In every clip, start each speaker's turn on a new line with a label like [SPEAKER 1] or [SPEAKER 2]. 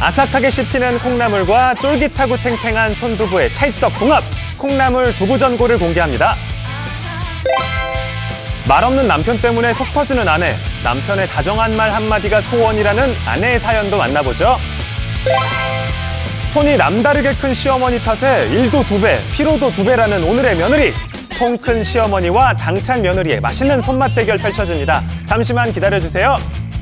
[SPEAKER 1] 아삭하게 씹히는 콩나물과 쫄깃하고 탱탱한 손두부의 찰떡궁합, 콩나물 두부전골을 공개합니다. 말없는 남편 때문에 속 터지는 아내, 남편의 다정한 말 한마디가 소원이라는 아내의 사연도 만나보죠. 손이 남다르게 큰 시어머니 탓에 일도 2배, 피로도 2배라는 오늘의 며느리. 통 큰 시어머니와 당찬 며느리의 맛있는 손맛 대결 펼쳐집니다. 잠시만 기다려주세요.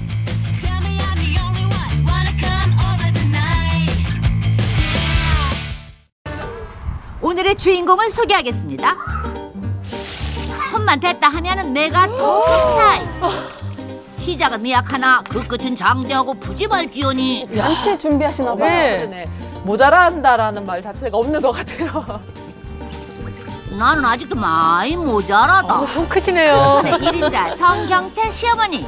[SPEAKER 2] 오늘의 주인공을 소개하겠습니다. 손만 댔다 하면은 내가 통크 스타일. 시작은 미약하나 그 끝은 장대하고 푸짐할지언니.
[SPEAKER 3] 잔치 준비하시나 봐요.
[SPEAKER 4] 네. 모자란다라는 말 자체가 없는 것 같아요.
[SPEAKER 2] 나는 아직도 많이 모자라다.
[SPEAKER 3] 손 크시네요.
[SPEAKER 2] 손의 1인자 정경태 시어머니.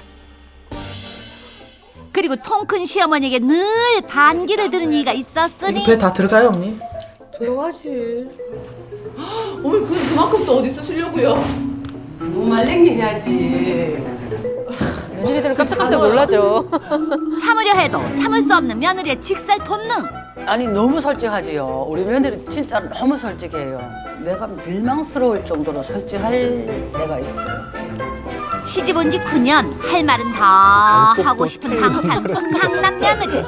[SPEAKER 2] 그리고 통 큰 시어머니에게 늘 반기를 드는 이가 있었으니.
[SPEAKER 5] 배 다 들어가요, 언니?
[SPEAKER 4] 들어가지. 어머니 그만큼 또 어디 쓰시려고요?
[SPEAKER 6] 너무 말랭이 해야지.
[SPEAKER 3] 며느리들은 깜짝깜짝 놀라죠.
[SPEAKER 2] 참으려 해도 참을 수 없는 며느리의 직살 본능.
[SPEAKER 6] 아니 너무 솔직하지요. 우리 며느리 진짜 너무 솔직해요. 내가 밀망스러울 정도로 솔직할 때가 있어요.
[SPEAKER 2] 시집 온 지 9년 할 말은 다 하고 싶은 당찬 손향남 며느리.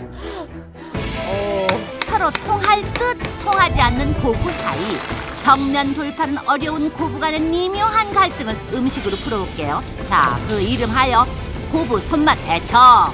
[SPEAKER 2] 서로 통할 듯 통하지 않는 고부 사이. 정면 돌파는 어려운 고부 간의 미묘한 갈등을 음식으로 풀어볼게요. 자, 그 이름하여 고부 손맛 대첩.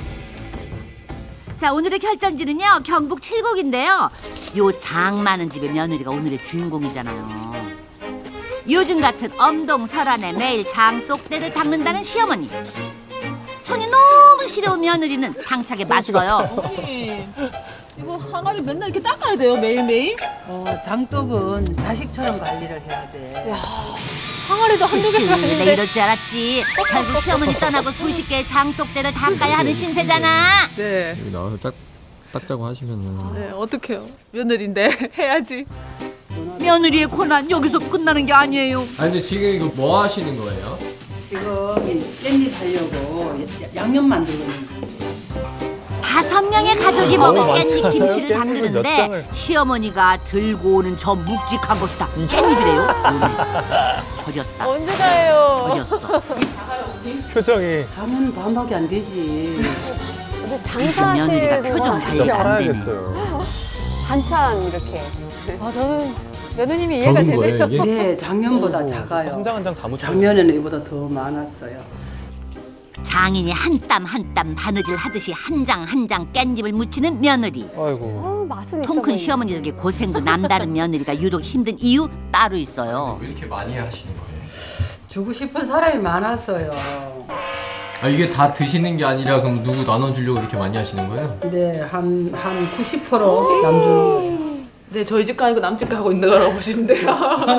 [SPEAKER 2] 자, 오늘의 결정지는요, 경북 칠곡인데요. 요 장 많은 집의 며느리가 오늘의 주인공이잖아요. 요즘 같은 엄동설안에 매일 장독대를 닦는다는 시어머니. 손이 너무 시려운 며느리는 당차게 맞서요.
[SPEAKER 4] 어머니, 이거 항아리 맨날 이렇게 닦아야 돼요, 매일매일?
[SPEAKER 6] 장독은 자식처럼 관리를 해야 돼.
[SPEAKER 3] 항아리도 한두 개가
[SPEAKER 2] 내
[SPEAKER 3] 아닌데.
[SPEAKER 2] 이럴 줄 알았지. 결국 시어머니 떠나고 수십 개의 장독대를 닦아야 하는 신세잖아.
[SPEAKER 4] 네.
[SPEAKER 7] 여기 나와서 닦자고 하시면은
[SPEAKER 4] 네, 어떡해요. 며느리인데 해야지.
[SPEAKER 2] 며느리의 고난 여기서 끝나는 게 아니에요.
[SPEAKER 7] 아니 근데 지금 이거 뭐 하시는 거예요?
[SPEAKER 6] 지금 깻잎 하려고 양념 만들고 있는 거예요.
[SPEAKER 2] 5명의 가족이 먹을 깻잎
[SPEAKER 1] 많잖아요.
[SPEAKER 2] 김치를
[SPEAKER 1] 깻잎을
[SPEAKER 2] 담그는데
[SPEAKER 1] 몇 장을.
[SPEAKER 2] 시어머니가 들고 오는 저 묵직한 것이다. 깻잎이래요. 절였다.
[SPEAKER 3] 언제 가요?
[SPEAKER 2] 절였어.
[SPEAKER 1] 표정이.
[SPEAKER 6] 잠은 반밖에 안 되지.
[SPEAKER 3] 근데
[SPEAKER 2] 며느리가 표정
[SPEAKER 3] 장사하시는
[SPEAKER 2] 관리가 안 되네.
[SPEAKER 1] 팔아야겠어요.
[SPEAKER 3] 반찬 이렇게. 저는 며느님이 이해가
[SPEAKER 7] 적은
[SPEAKER 3] 되네요.
[SPEAKER 7] 거예요 이게?
[SPEAKER 6] 네, 작년보다 작아요.
[SPEAKER 1] 한 장 한 장 다 묻혀.
[SPEAKER 6] 작년에는 이보다 더 많았어요.
[SPEAKER 2] 장인이 한 땀 한 땀 바느질 하듯이 한 장 한 장 깻잎을 묻히는 며느리.
[SPEAKER 1] 아이고.
[SPEAKER 3] 맛은 있어
[SPEAKER 2] 통 큰
[SPEAKER 3] 보이네.
[SPEAKER 2] 시어머니에게 고생도 남다른 며느리가 유독 힘든 이유 따로 있어요.
[SPEAKER 7] 왜 이렇게 많이 하시는 거예요?
[SPEAKER 6] 주고 싶은 사람이 많았어요.
[SPEAKER 7] 아 이게 다 드시는 게 아니라 그럼 누구 나눠주려고 이렇게 많이 하시는 거예요?
[SPEAKER 6] 네, 한 90% 남주는 거예요.
[SPEAKER 4] 네, 저희 집가 아니고 남집 가고 있는 거라고 보시면 돼요.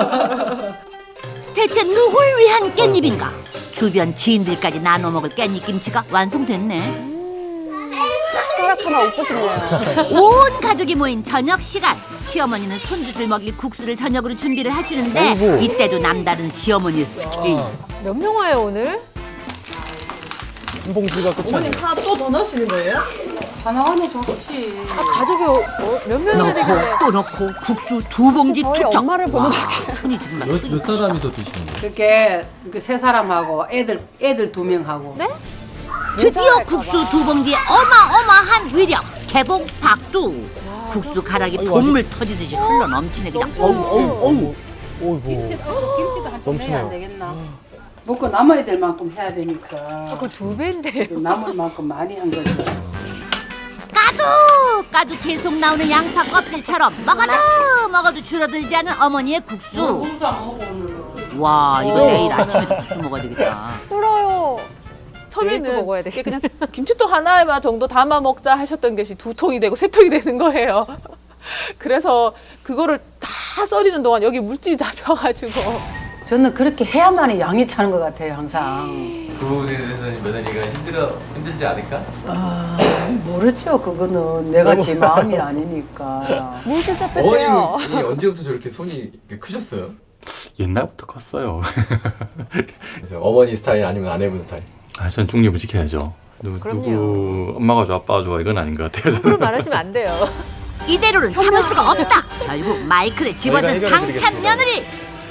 [SPEAKER 2] 대체 누굴 위한 깻잎인가? 주변 지인들까지 나눠 먹을 깻잎김치가 완성됐네.
[SPEAKER 3] 숟가락 하나 얻고 싶네요.
[SPEAKER 2] 온 가족이 모인 저녁 시간. 시어머니는 손주들 먹일 국수를 저녁으로 준비를 하시는데
[SPEAKER 1] 아이고.
[SPEAKER 2] 이때도 남다른 시어머니의 스케일.
[SPEAKER 3] 몇 명 와요 오늘?
[SPEAKER 1] 한 봉지가 끝이
[SPEAKER 4] 어머님
[SPEAKER 1] 아니에요.
[SPEAKER 4] 하나 또 더 넣으시는 거예요?
[SPEAKER 6] 하나 하나 좋지.
[SPEAKER 3] 가족이 몇 명이나 되길래.
[SPEAKER 2] 넣고 또 넣고 국수 2봉지
[SPEAKER 3] 저희
[SPEAKER 2] 투척.
[SPEAKER 3] 엄마를 보면
[SPEAKER 2] 손이 정말
[SPEAKER 7] 몇 사람이 더 드시는 거예요?
[SPEAKER 6] 그렇게 세 사람하고 애들 2명하고.
[SPEAKER 3] 네?
[SPEAKER 2] 드디어 국수 2봉지에 어마어마한 위력. 개봉 박두. 국수 가락이 봇물 터지듯이 흘러 넘치네 그냥. 어우.
[SPEAKER 1] 어이구.
[SPEAKER 6] 김치도 한점
[SPEAKER 1] 넘치네요.
[SPEAKER 6] 해야 안 되겠나? 먹고 남아야 될 만큼 해야 되니까.
[SPEAKER 3] 그거 2배인데요.
[SPEAKER 6] 남을 만큼 많이 한 거죠.
[SPEAKER 2] 까도 계속 나오는 양파 껍질처럼 먹어도 줄어들지 않은 어머니의 국수.
[SPEAKER 6] 국수 안 먹어 오늘은.
[SPEAKER 2] 와 이거 내일 아침에도 국수 먹어야 되겠다.
[SPEAKER 3] 울어요. 내일 또
[SPEAKER 4] 처음에는
[SPEAKER 3] 먹어야
[SPEAKER 4] 이게
[SPEAKER 3] 되겠다.
[SPEAKER 4] 그냥 김치통 하나 정도 담아 먹자 하셨던 것이 2통이 되고 3통이 되는 거예요. 그래서 그거를 다 썰이는 동안 여기 물집이 잡혀가지고.
[SPEAKER 6] 저는 그렇게 해야만이 양이 차는 것 같아요 항상.
[SPEAKER 7] 그 부분에 대해서는 며느리가 힘들지 않을까?
[SPEAKER 6] 모르죠. 그거는 내가 제 마음이 아니니까.
[SPEAKER 3] 물 진짜 뺐대요.
[SPEAKER 7] 어머님이 언제부터 저렇게 손이 이렇게 크셨어요?
[SPEAKER 8] 옛날부터 컸어요.
[SPEAKER 7] 그래서 어머니 스타일 아니면 아내분 스타일?
[SPEAKER 8] 전 중립을 지켜야죠.
[SPEAKER 3] 그럼요.
[SPEAKER 5] 엄마가 좋아 아빠가 좋아 이건 아닌 것 같아요.
[SPEAKER 3] 그걸 말하시면 안 돼요.
[SPEAKER 2] 이대로는 참을 수가 없다. 결국 마이크를 집어든
[SPEAKER 1] 저희가
[SPEAKER 2] 당찬
[SPEAKER 1] 해결해드리겠습니다.
[SPEAKER 2] 며느리.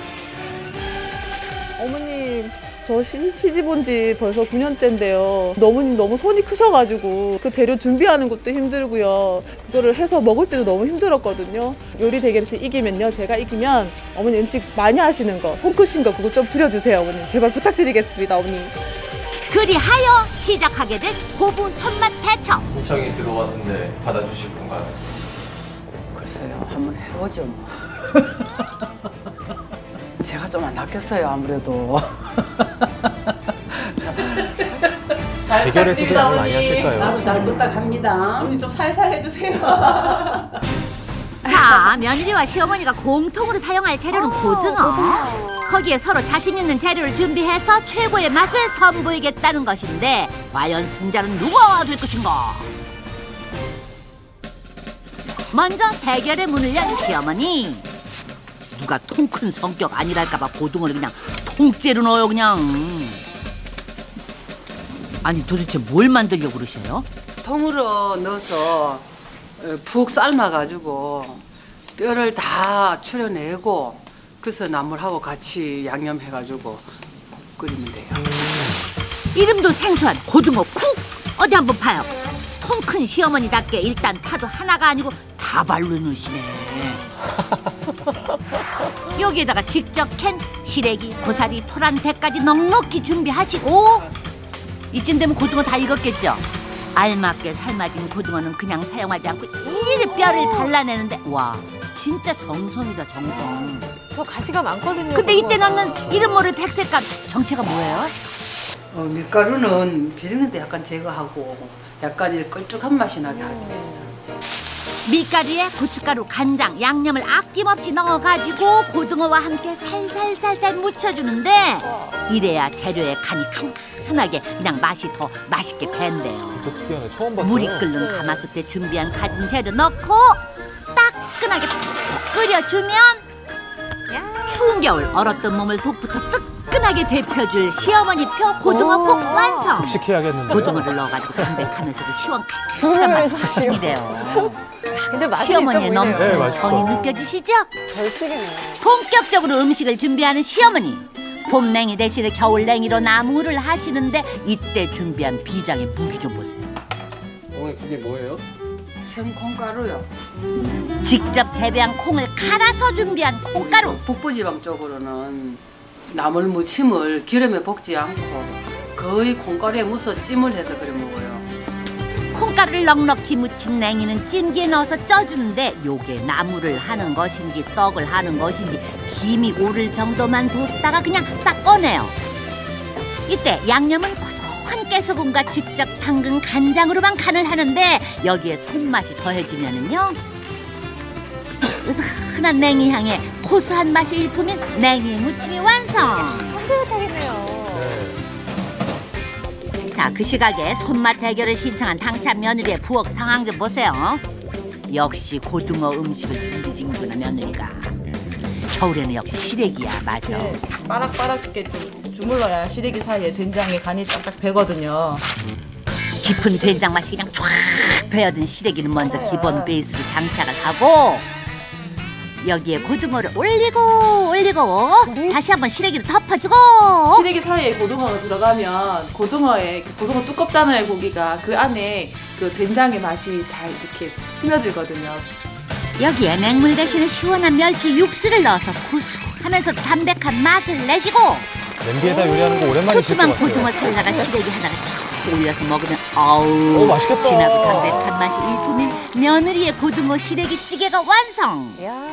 [SPEAKER 4] 어머님 저 시집 온 지 벌써 9년째인데요. 너무 손이 크셔가지고 그 재료 준비하는 것도 힘들고요. 그거를 해서 먹을 때도 너무 힘들었거든요. 요리 대결에서 이기면요. 제가 이기면 어머니 음식 많이 하시는 거, 손 크신 거 그거 좀 부려주세요. 어머님 제발 부탁드리겠습니다. 어머니.
[SPEAKER 2] 그리하여 시작하게 된 고부 손맛 대첩.
[SPEAKER 7] 신청이 들어왔는데 받아주실 건가요?
[SPEAKER 6] 글쎄요, 한번 해보죠 뭐. 제가 좀 안 낚였어요 아무래도.
[SPEAKER 1] 대결에서도 뭘 많이 하실까요?
[SPEAKER 6] 나도 잘 부탁합니다.
[SPEAKER 4] 어머니 좀 살살 해주세요.
[SPEAKER 2] 자, 며느리와 시어머니가 공통으로 사용할 재료는 고등어. 거기에 서로 자신 있는 재료를 준비해서 최고의 맛을 선보이겠다는 것인데 과연 승자는 누가 될 것인가? 먼저 대결의 문을 여는 시어머니. 누가 통 큰 성격 아니랄까봐 고등어를 그냥 통째로 넣어요 그냥. 아니 도대체 뭘 만들려고 그러셔요?
[SPEAKER 6] 통으로 넣어서 푹 삶아가지고 뼈를 다 추려내고 그래서 나물하고 같이 양념해가지고 끓이면 돼요.
[SPEAKER 2] 이름도 생소한 고등어 쿡! 어디 한번 봐요. 통 큰 시어머니답게 일단 파도 하나가 아니고 다발로 넣으시네. 여기에다가 직접 캔 시래기, 고사리, 토란, 대까지 넉넉히 준비하시고 이쯤 되면 고등어 다 익었겠죠? 알맞게 삶아진 고등어는 그냥 사용하지 않고 일일이 뼈를 발라내는데 와 진짜 정성이다 정성.
[SPEAKER 3] 저 가시가 많거든요.
[SPEAKER 2] 근데 이때
[SPEAKER 3] 고등어가.
[SPEAKER 2] 넣는 이름 모를 백색감 정체가 뭐예요?
[SPEAKER 6] 밀가루는 비린내도 약간 제거하고 약간 이 걸쭉한 맛이 나게 하기 위해서.
[SPEAKER 2] 밀가루에 고춧가루, 간장, 양념을 아낌없이 넣어가지고 고등어와 함께 살살살살 묻혀주는데 이래야 재료의 간이 칸칸하게 그냥 맛이 더 맛있게 밴대요.
[SPEAKER 1] 특이하네. 처음 봤어요.
[SPEAKER 2] 물이 끓는 가마솥에 준비한 가진 재료 넣고 따끈하게 푹 끓여주면 추운 겨울 얼었던 몸을 속부터 뜨끈하게 데펴줄 시어머니표 고등어국 완성.
[SPEAKER 1] 급식해야겠는데.
[SPEAKER 2] 고등어를 넣어가지고 담백하면서도 시원칼칼한 맛이 특징이래요.
[SPEAKER 3] 근데 맛이
[SPEAKER 2] 시어머니의
[SPEAKER 3] 있어 보이네요.
[SPEAKER 2] 넘치는
[SPEAKER 1] 네, 맛있다.
[SPEAKER 2] 정이 느껴지시죠?
[SPEAKER 3] 별식이네.
[SPEAKER 2] 본격적으로 음식을 준비하는 시어머니. 봄냉이 대신에 겨울냉이로 나무를 하시는데 이때 준비한 비장의 무기 좀 보세요.
[SPEAKER 7] 어머니 그게 뭐예요?
[SPEAKER 6] 생콩가루요.
[SPEAKER 2] 직접 재배한 콩을 갈아서 준비한 콩가루.
[SPEAKER 6] 북부지방 쪽으로는 나물 무침을 기름에 볶지 않고 거의 콩가루에 묻어 찜을 해서 그래 먹어요.
[SPEAKER 2] 콩가루를 넉넉히 묻힌 냉이는 찜기에 넣어서 쪄주는데 요게 나물을 하는 것인지 떡을 하는 것인지 김이 오를 정도만 뒀다가 그냥 싹 꺼내요. 이때 양념은 고소한 깨소금과 직접 담근 간장으로만 간을 하는데 여기에 손맛이 더해지면은요 흔한 냉이 향에 고소한 맛이 일품인 냉이 무침이 완성.
[SPEAKER 3] 향긋하겠네요.
[SPEAKER 2] 자, 그 시각에 손맛 대결을 신청한 당찬 며느리의 부엌 상황 좀 보세요. 역시 고등어 음식을 준비 중이구나 며느리가. 겨울에는 역시 시래기야, 맞아.
[SPEAKER 8] 네, 바락바락하게 좀 주물러야 시래기 사이에 된장에 간이 딱딱 배거든요.
[SPEAKER 2] 깊은 된장 맛이 그냥 쫙 배어든 시래기는 먼저 기본 베이스로 장착을 하고 여기에 고등어를 올리고 다시 한번 시래기를 덮어주고
[SPEAKER 4] 시래기 사이에 고등어가 들어가면 고등어에 고등어 두껍잖아요 고기가 그 안에 그 된장의 맛이 잘 이렇게 스며들거든요.
[SPEAKER 2] 여기에 맹물 대신에 시원한 멸치 육수를 넣어서 구수하면서 담백한 맛을 내시고
[SPEAKER 1] 냄비에다 요리하는 거 오랜만이실 것
[SPEAKER 2] 푸짐한
[SPEAKER 1] 같아요.
[SPEAKER 2] 고등어 살라가 시래기 하나가 촥 올려서 먹으면 어우
[SPEAKER 1] 맛있겠다.
[SPEAKER 2] 진하고 담백한 맛이 일품인 며느리의 고등어 시래기 찌개가 완성.
[SPEAKER 3] 야.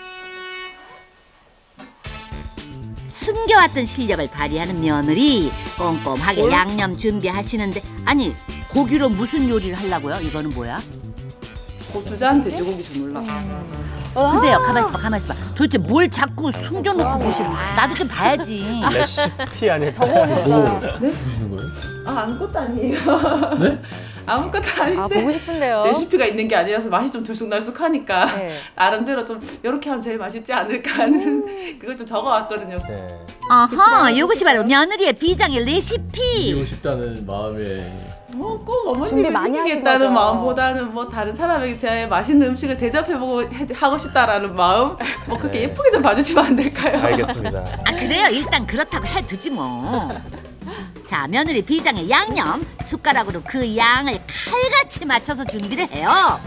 [SPEAKER 2] 숨겨왔던 실력을 발휘하는 며느리 꼼꼼하게 양념 준비하시는데 아니 고기로 무슨 요리를 하려고요? 이거는 뭐야?
[SPEAKER 4] 고추장 돼지고기 주물러.
[SPEAKER 2] 근데요 가만있어 봐 도대체 뭘 자꾸 숨겨놓고 보시는 나도 좀 봐야지.
[SPEAKER 1] 레시피 아닐까?
[SPEAKER 3] 적어오셨어요.
[SPEAKER 7] 드시는 거예요?
[SPEAKER 4] 아 아무것도 아니에요.
[SPEAKER 7] 네?
[SPEAKER 4] 아무것도 아닌데.
[SPEAKER 3] 아 보고 싶은데요.
[SPEAKER 4] 레시피가 있는 게 아니라서 맛이 좀 들쑥날쑥하니까
[SPEAKER 3] 네.
[SPEAKER 4] 나름대로 좀 이렇게 하면 제일 맛있지 않을까 하는 그걸 좀 적어왔거든요.
[SPEAKER 1] 네.
[SPEAKER 2] 아하 이것이 바로 며느리의 비장의 레시피.
[SPEAKER 7] 이기고 싶다는 마음에
[SPEAKER 4] 뭐 꼭 어머님이
[SPEAKER 3] 준비 많이 하신
[SPEAKER 4] 해주겠다는
[SPEAKER 3] 거죠?
[SPEAKER 4] 마음보다는 뭐 다른 사람에게 제 맛있는 음식을 대접해보고 하고 싶다라는 마음 뭐 그렇게 예쁘게 좀 봐주시면 안 될까요?
[SPEAKER 1] 알겠습니다.
[SPEAKER 2] 아 그래요. 일단 그렇다고 해두지 뭐. 자, 며느리 비장의 양념 숟가락으로 그 양을 칼같이 맞춰서 준비를 해요.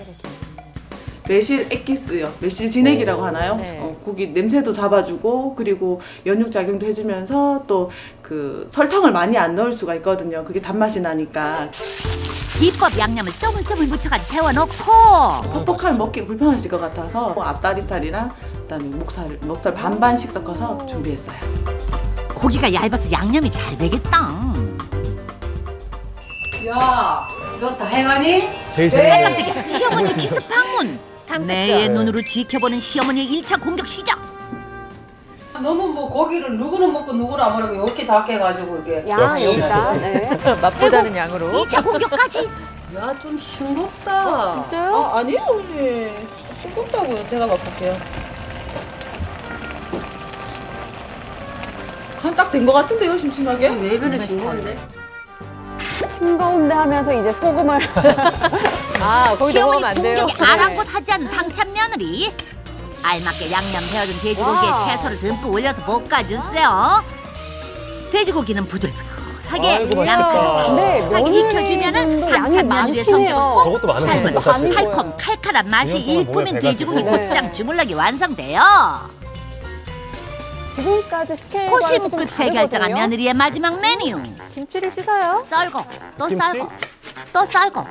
[SPEAKER 4] 매실 액기스요. 매실 진액이라고 하나요?
[SPEAKER 3] 네.
[SPEAKER 4] 고기 냄새도 잡아주고 그리고 연육 작용도 해주면서 또 그 설탕을 많이 안 넣을 수가 있거든요. 그게 단맛이 나니까
[SPEAKER 2] 비법 양념을 쪼물쪼물 묻혀가지고 세워놓고
[SPEAKER 4] 퍽퍽하면 먹기 불편하실 것 같아서 앞다리살이랑 그다음에 목살 반반씩 섞어서 준비했어요.
[SPEAKER 2] 고기가 얇아서 양념이 잘 되겠다.
[SPEAKER 6] 야, 너 다 해가니?
[SPEAKER 1] 제일
[SPEAKER 2] 아,
[SPEAKER 1] 재밌는
[SPEAKER 2] 깜짝이야. 시어머니 기습 방문. 매의 눈으로 지켜보는 시어머니의 1차 공격 시작.
[SPEAKER 6] 너는 뭐 고기를 누구는 먹고 누구는 안 먹고 이렇게 작게 해가지고 이게.
[SPEAKER 3] 양
[SPEAKER 1] 역시.
[SPEAKER 3] 여기다. 네.
[SPEAKER 9] 맛보다는 양으로.
[SPEAKER 2] 2차 공격까지.
[SPEAKER 6] 야, 좀 싱겁다.
[SPEAKER 3] 진짜요?
[SPEAKER 4] 아니요 어머니. 싱겁다고요. 제가 맛볼게요. 한 딱 된 것 같은데요 심심하게?
[SPEAKER 6] 내변에 싱거운데?
[SPEAKER 3] 싱거운데 하면서 이제 소금을. 아, 거기
[SPEAKER 2] 시어머니
[SPEAKER 3] 넘어가면 안 돼요.
[SPEAKER 2] 공격에 아랑곳하지 않은 당찬 며느리. 알맞게 양념 배워준 돼지고기에
[SPEAKER 3] 와.
[SPEAKER 2] 채소를 듬뿍 올려서 볶아주세요. 돼지고기는 부들부들하게
[SPEAKER 1] 아이고,
[SPEAKER 2] 양념을
[SPEAKER 1] 맛있겠다.
[SPEAKER 3] 근데
[SPEAKER 2] 푹하게 익혀주면은
[SPEAKER 3] 며느리분도 양이
[SPEAKER 2] 당찬 며느리의
[SPEAKER 3] 많긴 해요.
[SPEAKER 2] 성격은 꼭
[SPEAKER 1] 저것도 많은
[SPEAKER 2] 닮은
[SPEAKER 1] 거죠, 사실.
[SPEAKER 2] 달콤 칼칼한 맛이
[SPEAKER 1] 이 년 동안 몸에
[SPEAKER 2] 일품인
[SPEAKER 1] 배가
[SPEAKER 2] 돼지고기
[SPEAKER 1] 지고.
[SPEAKER 2] 고추장 주물럭이 완성돼요.
[SPEAKER 3] 지금까지 스케일과
[SPEAKER 2] 호심
[SPEAKER 3] 조금
[SPEAKER 2] 끝에 결정한
[SPEAKER 3] 다르거든요.
[SPEAKER 2] 며느리의 마지막 메뉴.
[SPEAKER 3] 김치를 씻어요.
[SPEAKER 2] 썰고 또
[SPEAKER 1] 김치?
[SPEAKER 2] 썰고 또 썰고.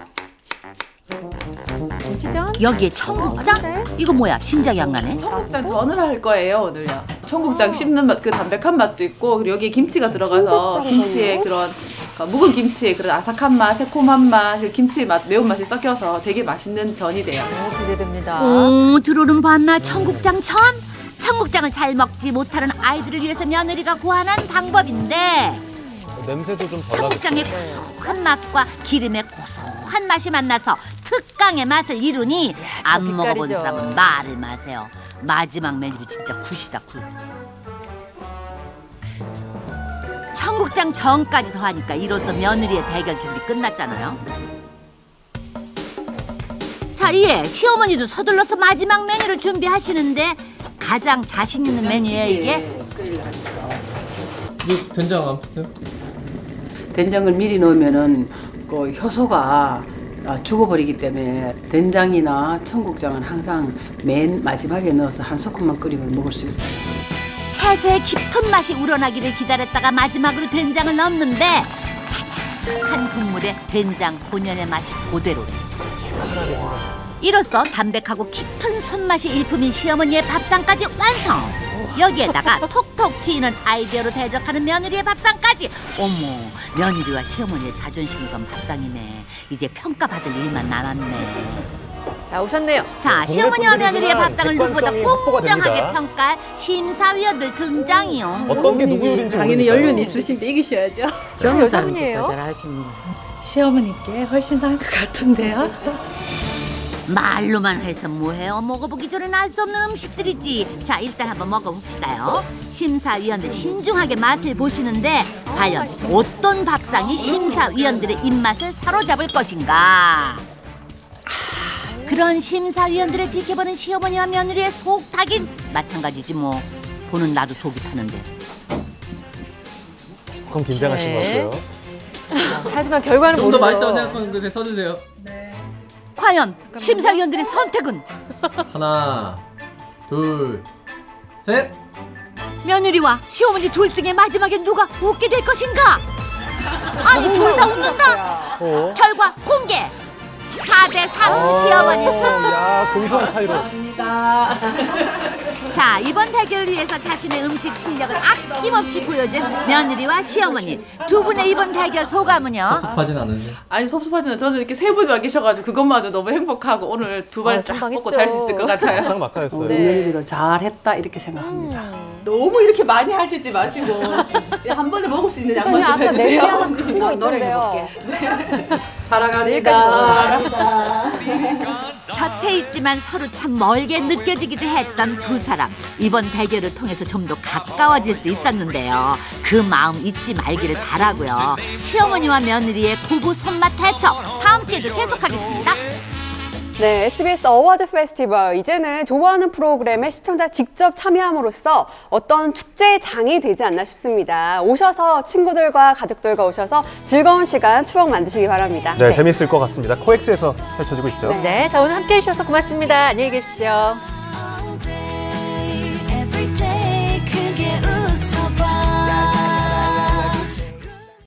[SPEAKER 3] 김치전.
[SPEAKER 2] 여기에 청국장?
[SPEAKER 3] 네.
[SPEAKER 2] 이거 뭐야? 짐작이 안 가네.
[SPEAKER 4] 청국장 전을 할 거예요 오늘요. 청국장 씹는 맛, 그 담백한 맛도 있고 그리고 여기에 김치가 들어가서
[SPEAKER 3] 청국장
[SPEAKER 4] 김치의 그런 그러니까 묵은 김치의 그런 아삭한 맛, 새콤한 맛, 그 김치의 맛, 매운맛이 섞여서 되게 맛있는 전이 돼요.
[SPEAKER 9] 기대됩니다.
[SPEAKER 2] 오, 들어오는 밤낮 청국장 전? 청국장을 잘 먹지 못하는 아이들을 위해서 며느리가 고안한 방법인데
[SPEAKER 1] 냄새도 좀 덜 나고.
[SPEAKER 2] 청국장의 고소한 맛과 기름의 고소한 맛이 만나서 특강의 맛을 이루니 안
[SPEAKER 9] 빛깔이죠.
[SPEAKER 2] 먹어본 사람은 말을 마세요. 마지막 메뉴도 진짜 굿이다 굿. 청국장 전까지 더하니까 이로써 며느리의 대결 준비 끝났잖아요. 자, 이에 시어머니도 서둘러서 마지막 메뉴를 준비하시는데 가장 자신 있는 메뉴예요 이게.
[SPEAKER 7] 이거 된장 안 붙어요?
[SPEAKER 6] 된장을 미리 넣으면은 그 효소가 죽어버리기 때문에 된장이나 청국장은 항상 맨 마지막에 넣어서 한 소금만 끓이면 먹을 수 있어요.
[SPEAKER 2] 채소의 깊은 맛이 우러나기를 기다렸다가 마지막으로 된장을 넣는데 차차한 국물에 된장 본연의 맛이 그대로. 이로써 담백하고 깊은 손맛이 일품인 시어머니의 밥상까지 완성. 여기에다가 톡톡 튀는 아이디어로 대접하는 며느리의 밥상까지. 어머, 며느리와 시어머니의 자존심을 건 밥상이네. 이제 평가받을 일만 남았네.
[SPEAKER 9] 자, 오셨네요.
[SPEAKER 2] 자, 시어머니와 며느리의 밥상을 누구보다
[SPEAKER 1] 객관성이 확보가
[SPEAKER 2] 공정하게
[SPEAKER 1] 됩니다.
[SPEAKER 2] 평가할 심사위원들 등장이요.
[SPEAKER 1] 어떤 게 누구 요리인지
[SPEAKER 3] 당연히
[SPEAKER 1] 모르니까요.
[SPEAKER 3] 연륜 있으신데 이기셔야죠.
[SPEAKER 6] 저는
[SPEAKER 3] 여성분이에요?
[SPEAKER 6] 잘하지 뭐.
[SPEAKER 8] 시어머니께 훨씬 나은 것 같은데요.
[SPEAKER 2] 말로만 해서 뭐해요? 먹어보기 전엔 알 수 없는 음식들이지. 자, 일단 한번 먹어봅시다요. 심사위원들 신중하게 맛을 보시는데 과연 어떤 밥상이 심사위원들의 입맛을 사로잡을 것인가? 그런 심사위원들을 지켜보는 시어머니와 며느리의 속 타긴 마찬가지지 뭐. 보는 나도 속이 타는데.
[SPEAKER 1] 조금 긴장하신 것
[SPEAKER 9] 네.
[SPEAKER 1] 같고요.
[SPEAKER 9] 하지만 결과는
[SPEAKER 7] 좀 더
[SPEAKER 9] 모르죠.
[SPEAKER 7] 맛있다고 생각하는데 써주세요.
[SPEAKER 2] 과연 심사위원들의 선택은?
[SPEAKER 7] 하나, 둘, 셋.
[SPEAKER 2] 며느리와 시어머니 둘 중에 마지막에 누가 웃게 될 것인가? 아니, 둘 다 웃는다.
[SPEAKER 1] 어?
[SPEAKER 2] 결과 공개. 4대3 시어머니 승.
[SPEAKER 1] 야, 근소한 차이로.
[SPEAKER 2] 자, 이번 대결을 위해서 자신의 음식 실력을 아낌없이 보여준 며느리와 시어머니 두 분의 이번 대결 소감은요?
[SPEAKER 7] 섭하진 않은데.
[SPEAKER 4] 아니 섭섭하지만 저는 이렇게 세 분이 와 계셔가지고 그것마저 너무 행복하고 오늘 두 발 쫙
[SPEAKER 3] 선방했죠.
[SPEAKER 4] 먹고 잘 수 있을 것 같아요.
[SPEAKER 1] 상 막하였어요.
[SPEAKER 6] 우리 며느리도 잘했다 이렇게 생각합니다.
[SPEAKER 4] 너무 이렇게 많이 하시지 마시고 한 번에 먹을 수 있는 양만 좀
[SPEAKER 3] 아까
[SPEAKER 4] 해주세요.
[SPEAKER 3] 냄비 하나 큰 거 있던데요.
[SPEAKER 6] 사랑합니다.
[SPEAKER 3] 사랑합니다.
[SPEAKER 2] 곁에 있지만 서로 참 멀게 느껴지기도 했던 두 사람. 이번 대결을 통해서 좀 더 가까워질 수 있었는데요. 그 마음 잊지 말기를 바라고요. 시어머니와 며느리의 고부 손맛 대첩 다음 기회도 계속하겠습니다.
[SPEAKER 3] 네, SBS 어워즈 페스티벌. 이제는 좋아하는 프로그램에 시청자 직접 참여함으로써 어떤 축제의 장이 되지 않나 싶습니다. 오셔서 친구들과 가족들과 오셔서 즐거운 시간, 추억 만드시기 바랍니다.
[SPEAKER 1] 네, 재밌을 것 같습니다. 코엑스에서 펼쳐지고 있죠.
[SPEAKER 9] 네, 자 오늘 함께해 주셔서 고맙습니다. 안녕히 계십시오.